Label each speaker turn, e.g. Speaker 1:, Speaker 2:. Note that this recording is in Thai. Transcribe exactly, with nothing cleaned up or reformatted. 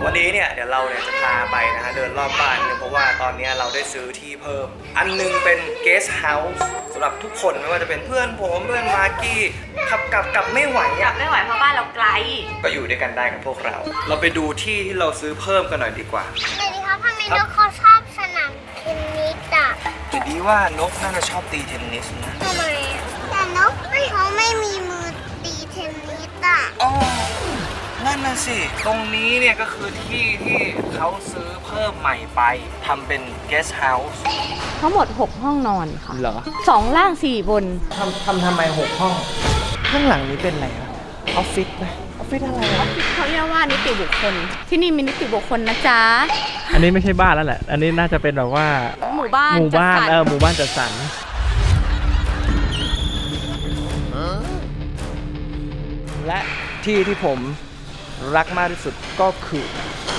Speaker 1: วันนี้เนี่ยเดี๋ยวเราเนี่ยจะพาไปนะฮะเดินรอบบ้านเนี่ยเพราะว่าตอนนี้เราได้ซื้อที่เพิ่ม อันนึงเป็น guest house สำหรับทุกคนไม่ว่าจะเป็นเพื่อนผมเพื่อนมากกี้ขับกลับกลับไม่ไหว
Speaker 2: กลั
Speaker 1: อ่ะ
Speaker 2: บไม่ไหวเพราะบ้านเราไกล
Speaker 1: ก็อยู่ด้วยกันได้กับพวกเรา เราไปดูที่ที่เราซื้อเพิ่มกันหน่อยดีกว่า
Speaker 3: สวัสดีครับทำไมนกเขาชอบสนามเทนนิสอ่ะ
Speaker 1: จะดีว่านกน่าจะชอบตีเทนนิสนะ
Speaker 3: ทำไมแต่นกเขาไม่มีมือตีเทนนิสอ่ะ
Speaker 1: อ๋อนั่นน่ะสิ ตรงนี้เนี่ยก็คือที่ที่เขาซื้อเพิ่มใหม่ไปทำเป็น guest house
Speaker 2: ทั้งหมดหกห้องนอนค่ะ
Speaker 1: เหรอ
Speaker 2: สองล่างสี่บน
Speaker 1: ทำทำทำไมหกห้อง ข้างหลังนี้เป็นอะไรครับออฟฟิศไหมออฟฟิศอะไรอะ
Speaker 2: เขาเรียกว่านิติบุคคล ที่นี่มีนิติบุคคลนะจ๊ะ
Speaker 4: อันนี้ไม่ใช่บ้านแล้วแหละ อันนี้น่าจะเป็นแบบว่า
Speaker 2: หมู่บ้าน
Speaker 4: หมู่บ้าน
Speaker 2: จัดสรร
Speaker 4: เออหมู่บ้านจัดสรร
Speaker 1: และที่ที่ผมรักมากที่สุดก็คือ